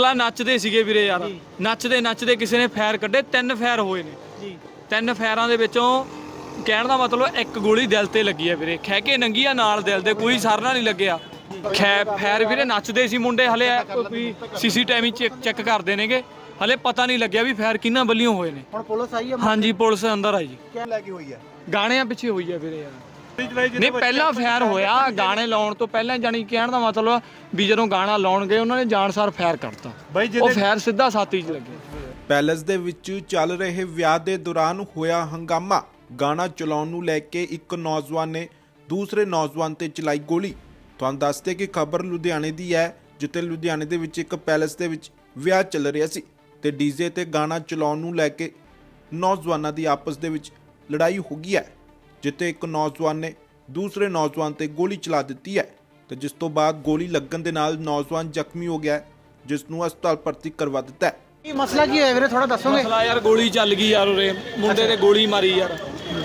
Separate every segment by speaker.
Speaker 1: ਮਸਲਾ ਨੱਚਦੇ ਸੀਗੇ ਵੀਰੇ ਯਾਰ, ਨੱਚਦੇ ਨੱਚਦੇ ਕਿਸੇ ਨੇ ਫਾਇਰ ਕੱਢੇ, 3 ਫਾਇਰ ਹੋਏ ਨੇ ਜੀ। 3 ਫਾਇਰਾਂ ਦੇ ਵਿੱਚੋਂ ਕਹਿਣ ਦਾ ਮਤਲਬ ਇੱਕ ਗੋਲੀ ਦਿਲ ਤੇ ਲੱਗੀ ਆ ਵੀਰੇ, ਖਹਿ ਕੇ ਨੰਗੀ ਆ ਨਾਲ ਦਿਲ ਦੇ, ਕੋਈ ਸਰਨਾ ਨਹੀਂ ਲੱਗਿਆ। ਫਾਇਰ ਵੀਰੇ ਨੱਚਦੇ ਸੀ ਮੁੰਡੇ, ਹਲੇ ਕੋਈ ਸੀਸੀਟੀਵੀ ਚੈੱਕ ਕਰਦੇ ਨੇਗੇ, ਹਲੇ ਪਤਾ ਨਹੀਂ ਲੱਗਿਆ ਵੀ ਫਾਇਰ ਕਿਹਨਾਂ ਵੱਲੋਂ ਹੋਏ ਨੇ।
Speaker 2: ਹੁਣ ਪੁਲਿਸ ਆਈ ਹੈ?
Speaker 1: ਹਾਂਜੀ ਪੁਲਿਸ ਅੰਦਰ ਆਈ ਜੀ।
Speaker 2: ਕੀ ਲੈ ਕੇ ਹੋਈ ਹੈ?
Speaker 1: ਗਾਣਿਆਂ ਪਿੱਛੇ ਹੋਈ ਆ ਵੀਰੇ ਯਾਰ। ਨਹੀਂ ਪਹਿਲਾਂ ਫਾਇਰ ਹੋਇਆ, ਗਾਣੇ ਲਾਉਣ ਤੋਂ ਪਹਿਲਾਂ, ਜਾਨੀ ਕਹਿਣ ਦਾ ਮਤਲਬ ਵੀ ਜਦੋਂ ਗਾਣਾ ਲਾਉਣ ਗਏ ਉਹਨਾਂ ਨੇ ਜਾਣਸਾਰ ਫਾਇਰ ਕਰਤਾ, ਉਹ ਫਾਇਰ ਸਿੱਧਾ ਛਾਤੀ 'ਚ ਲੱਗੇ।
Speaker 3: ਪੈਲਸ ਦੇ ਵਿੱਚ ਚੱਲ ਰਹੇ ਵਿਆਹ ਦੇ ਦੌਰਾਨ ਹੋਇਆ ਹੰਗਾਮਾ। ਗਾਣਾ ਚਲਾਉਣ ਨੂੰ ਲੈ ਕੇ ਇੱਕ ਨੌਜਵਾਨ ਨੇ ਦੂਸਰੇ ਨੌਜਵਾਨ ਤੇ ਚਲਾਈ ਗੋਲੀ। ਤੁਹਾਨੂੰ ਦੱਸਦੇ ਕਿ ਖਬਰ ਲੁਧਿਆਣੇ ਦੀ ਹੈ, ਜਿੱਥੇ ਲੁਧਿਆਣੇ ਦੇ ਵਿੱਚ ਇੱਕ ਪੈਲਸ ਦੇ ਵਿੱਚ ਵਿਆਹ ਚੱਲ ਰਿਹਾ ਸੀ ਤੇ ਡੀਜੇ ਤੇ ਗਾਣਾ ਚਲਾਉਣ ਨੂੰ ਲੈ ਕੇ ਨੌਜਵਾਨਾਂ ਦੀ ਆਪਸ ਦੇ ਵਿੱਚ ਲੜਾਈ ਹੋ ਗਈ ਹੈ, ਜਿੱਥੇ ਇੱਕ ਨੌਜਵਾਨ ਨੇ ਦੂਸਰੇ ਨੌਜਵਾਨ ਤੇ ਗੋਲੀ ਚਲਾ ਦਿੱਤੀ ਹੈ ਤੇ ਜਿਸ ਤੋਂ ਬਾਅਦ ਗੋਲੀ ਲੱਗਣ ਦੇ ਨਾਲ ਨੌਜਵਾਨ ਜ਼ਖਮੀ ਹੋ ਗਿਆ, ਜਿਸ ਨੂੰ ਹਸਪਤਾਲ ਭਰਤੀ ਕਰਵਾ ਦਿੱਤਾ ਹੈ।
Speaker 2: ਕੀ ਮਸਲਾ ਕੀ ਹੋਇਆ ਵੀਰੇ, ਥੋੜਾ ਦੱਸੋਗੇ?
Speaker 1: ਮਸਲਾ ਯਾਰ ਗੋਲੀ ਚੱਲ ਗਈ ਯਾਰ, ਉਰੇ ਮੁੰਡੇ ਤੇ ਗੋਲੀ ਮਾਰੀ ਯਾਰ।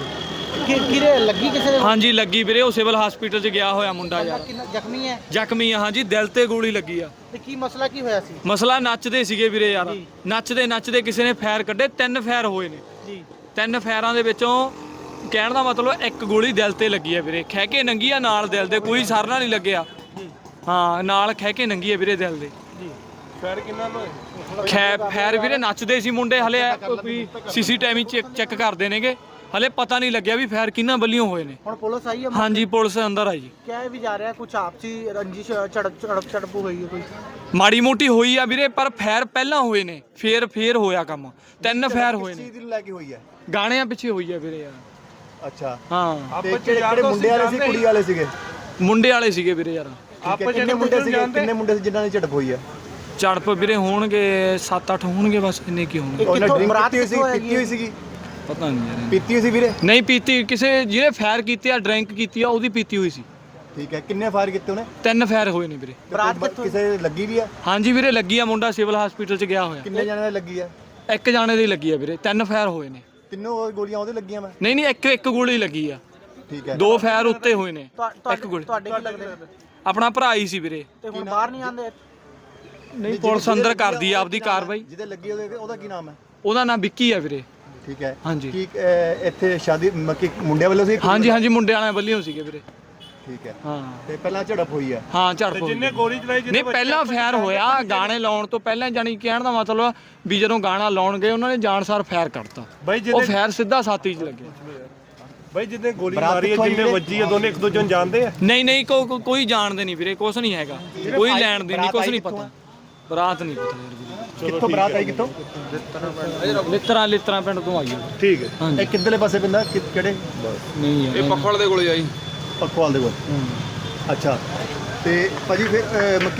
Speaker 2: ਕਿਰੇ ਲੱਗੀ ਕਿਸੇ ਦੇ?
Speaker 1: ਹਾਂਜੀ ਲੱਗੀ ਵੀਰੇ, ਉਹ ਸਿਵਲ ਹਸਪੀਟਲ 'ਚ ਗਿਆ ਹੋਇਆ ਮੁੰਡਾ ਯਾਰ।
Speaker 2: ਜ਼ਖਮੀ ਹੈ?
Speaker 1: ਜ਼ਖਮੀ ਆ ਹਾਂਜੀ, ਦਿਲ ਤੇ ਗੋਲੀ ਲੱਗੀ ਆ।
Speaker 2: ਤੇ ਕੀ ਮਸਲਾ ਕੀ ਹੋਇਆ ਸੀ?
Speaker 1: ਮਸਲਾ ਨੱਚਦੇ ਸੀਗੇ ਵੀਰੇ ਯਾਰ, ਨੱਚਦੇ ਨੱਚਦੇ ਕਿਸੇ ਨੇ ਫਾਇਰ ਕੱਢੇ, 3 ਫਾਇਰ ਹੋਏ ਨੇ ਜੀ। 3 ਫਾਇਰਾਂ ਦੇ ਵਿੱਚੋਂ ਕਹਿਣ ਦਾ ਮਤਲਬ ਇੱਕ ਗੋਲੀ ਦਿਲ ਤੇ ਲੱਗੀ ਆ ਵੀਰੇ, ਖਹਿ ਕੇ ਨੰਗੀ ਆ ਨਾਲ ਦਿਲ ਦੇ, ਕੋਈ ਸਰਨਾ ਨਹੀਂ ਲੱਗਿਆ। ਹਾਂ ਨਾਲ ਖਹਿ ਕੇ ਨੰਗੀ ਆ ਵੀਰੇ ਦਿਲ ਦੇ।
Speaker 2: ਫਾਇਰ ਕਿੰਨਾ ਹੋਇਆ?
Speaker 1: ਫਾਇਰ ਵੀਰੇ ਨੱਚਦੇ ਸੀ ਮੁੰਡੇ, ਹਲੇ ਕੋਈ ਸੀਸੀਟੀਵੀ ਚੈੱਕ ਕਰਦੇ ਨੇਗੇ, ਹਲੇ ਪਤਾ ਨਹੀਂ ਲੱਗਿਆ ਵੀ ਫਾਇਰ ਕਿਹਨਾਂ ਵੱਲੋਂ ਹੋਏ ਨੇ।
Speaker 2: ਹੁਣ ਪੁਲਿਸ ਆਈ ਹੈ?
Speaker 1: ਹਾਂਜੀ ਪੁਲਿਸ ਅੰਦਰ ਆਈ ਜੀ।
Speaker 2: ਕਿਹਾ ਵੀ ਜਾ ਰਿਹਾ ਕੁਝ ਆਪਸੀ ਰੰਜਿਸ਼ ਝੜਪ ਹੋਈ ਹੈ ਕੋਈ?
Speaker 1: ਮਾੜੀ ਮੋਟੀ ਹੋਈ ਆ ਵੀਰੇ, ਪਰ ਫਾਇਰ ਪਹਿਲਾਂ ਹੋਏ ਨੇ, ਫੇਰ ਹੋਇਆ ਕੰਮ। 3 ਫਾਇਰ ਹੋਏ ਨੇ।
Speaker 2: ਕਿਸ ਚੀਜ਼ ਲੈ ਕੇ ਹੋਈ ਹੈ?
Speaker 1: ਗਾਣਿਆਂ ਪਿੱਛੇ ਹੋਈ ਆ ਵੀਰੇ ਯਾਰ।
Speaker 2: ਅੱਛਾ
Speaker 1: ਹਾਂ
Speaker 2: ਤੇ ਕਿਹੜੇ ਮੁੰਡੇ ਵਾਲੇ ਸੀ ਕੁੜੀ ਵਾਲੇ ਸੀਗੇ?
Speaker 1: ਮੁੰਡੇ ਵਾਲੇ ਸੀਗੇ ਵੀਰੇ ਯਾਰ।
Speaker 2: ਕਿੰਨੇ ਮੁੰਡੇ ਸੀਗੇ? ਕਿੰਨੇ ਮੁੰਡੇ ਸੀ ਜਿਨ੍ਹਾਂ ਦੀ ਝੜਪ ਹੋਈ ਹੈ?
Speaker 1: ਝੜਪ ਵੀਰੇ ਹੋਣਗੇ 7-8 ਹੋਣਗੇ ਬਸ, ਇੰਨੇ ਕੀ ਹੋਣਗੇ।
Speaker 2: ਉਹਨੇ ਡਰਿੰਕ ਪੀਤੀ ਹੋਈ ਸੀਗੀ?
Speaker 1: ਪਤਾ ਨਹੀਂ ਯਾਰ,
Speaker 2: ਪੀਤੀ ਹੋਈ ਸੀ ਵੀਰੇ?
Speaker 1: ਨਹੀਂ ਪੀਤੀ, ਕਿਸੇ ਜਿਹਨੇ ਫਾਇਰ ਕੀਤੀ ਆ, ਡਰਿੰਕ ਕੀਤੀ ਆ, ਉਹਦੀ ਪੀਤੀ ਹੋਈ ਸੀ।
Speaker 2: ਠੀਕ ਹੈ, ਕਿੰਨੇ ਫਾਇਰ ਕੀਤੇ ਉਹਨੇ?
Speaker 1: 3 ਫਾਇਰ ਹੋਏ ਨੇ ਵੀਰੇ।
Speaker 2: ਕਿਸੇ ਲੱਗੀ ਵੀ ਆ?
Speaker 1: ਹਾਂਜੀ ਵੀਰੇ ਲੱਗੀ ਆ, ਮੁੰਡਾ ਸਿਵਲ ਹਸਪੀਟਲ 'ਚ ਗਿਆ ਹੋਇਆ।
Speaker 2: ਕਿੰਨੇ ਜਣੇ ਲੱਗੀ ਆ?
Speaker 1: ਇੱਕ ਜਾਣੇ ਦੀ ਲੱਗੀ ਆ ਵੀਰੇ, 3 ਫਾਇਰ ਹੋਏ ਨੇ।
Speaker 2: ਤਿੰਨੋਂ ਗੋਲੀਆਂ ਉਹਦੇ ਲੱਗੀਆਂ? ਮੈਂ
Speaker 1: ਨਹੀਂ ਇੱਕ ਗੋਲੀ ਲੱਗੀ ਆ।
Speaker 2: ਠੀਕ ਹੈ,
Speaker 1: 2 ਫਾਇਰ ਉੱਤੇ ਹੋਏ ਨੇ, ਇੱਕ ਗੋਲੀ।
Speaker 2: ਤੁਹਾਡੇ ਕੀ ਲੱਗਦੇ?
Speaker 1: ਆਪਣਾ ਭਰਾ ਹੀ ਸੀ ਵੀਰੇ।
Speaker 2: ਤੇ ਹੁਣ ਬਾਹਰ ਨਹੀਂ ਆਉਂਦੇ?
Speaker 1: ਨਹੀਂ ਪੁਲਿਸ ਅੰਦਰ ਕਰਦੀ ਆ ਆਪਦੀ ਕਾਰਵਾਈ।
Speaker 2: ਜਿਹਦੇ ਲੱਗੀ ਉਹਦਾ ਕੀ ਨਾਮ ਹੈ?
Speaker 1: ਉਹਦਾ ਨਾਮ ਵਿੱਕੀ ਆ ਵੀਰੇ।
Speaker 2: ਠੀਕ ਹੈ
Speaker 1: ਹਾਂਜੀ।
Speaker 2: ਕੀ ਇੱਥੇ ਸ਼ਾਦੀ ਮੁੰਡਿਆਂ ਵੱਲੋਂ ਸੀ?
Speaker 1: ਹਾਂਜੀ ਮੁੰਡੇ ਵਾਲਿਆਂ ਵੱਲੋਂ ਸੀਗੇ ਵੀਰੇ।
Speaker 2: ਠੀਕ ਹੈ।
Speaker 1: ਹਾਂ
Speaker 2: ਤੇ ਪਹਿਲਾਂ ਝੜਪ ਹੋਈ ਹੈ?
Speaker 1: ਹਾਂ ਝੜਪ ਹੋਈ। ਜਿੰਨੇ ਗੋਲੀ ਚਲਾਈ ਨਹੀਂ ਪਹਿਲਾਂ ਫਾਇਰ ਹੋਇਆ, ਗਾਣੇ ਲਾਉਣ ਤੋਂ ਪਹਿਲਾਂ, ਜਾਨੀ ਕਹਿਣ ਦਾ ਮਤਲਬ ਵੀ ਜਦੋਂ ਗਾਣਾ ਲਾਉਣ ਗਏ ਉਹਨਾਂ ਨੇ ਜਾਣਸਾਰ ਫਾਇਰ ਕਰਤਾ, ਉਹ ਫਾਇਰ ਸਿੱਧਾ ਛਾਤੀ 'ਚ ਲੱਗਿਆ।
Speaker 4: ਬਾਈ ਜਿੱਦੇ ਗੋਲੀ ਮਾਰੀ ਹੈ, ਜਿੰਨੇ ਵੱਜੀ ਹੈ, ਦੋਨੇ ਇੱਕ ਦੂਜੇ ਨੂੰ ਜਾਣਦੇ ਆ?
Speaker 1: ਨਹੀਂ ਕੋਈ ਜਾਣਦੇ ਨਹੀਂ ਵੀਰੇ, ਕੁਛ ਨਹੀਂ ਹੈਗਾ, ਕੋਈ ਲੈਣ ਦੇ ਨਹੀਂ, ਕੁਛ ਨਹੀਂ ਪਤਾ। ਬਰਾਤ ਨਹੀਂ ਪਤਾ ਯਾਰ ਵੀਰੇ।
Speaker 2: ਕਿੱਥੋਂ ਬਰਾਤ ਆਈ? ਕਿੱਥੋਂ?
Speaker 1: ਲਿੱਤਰਾ ਪਿੰਡ ਤੋਂ ਆਈ ਹੈ।
Speaker 2: ਠੀਕ ਹੈ।
Speaker 1: ਹਾਂਜੀ।
Speaker 2: ਇਹ ਕਿੱਧਰਲੇ ਪਾਸੇ ਪੈਂਦਾ? ਕਿਹੜੇ?
Speaker 1: ਨਹੀਂ ਯਾਰ,
Speaker 5: ਇਹ ਪੱਖਵਾਲ ਦੇ ਕੋਲੇ ਆਈ।
Speaker 2: ਪੱਖਵਾਲ ਦੇ ਕੋਲ। ਅੱਛਾ ਤੇ ਭਾਜੀ ਫਿਰ ਮੱਕੀ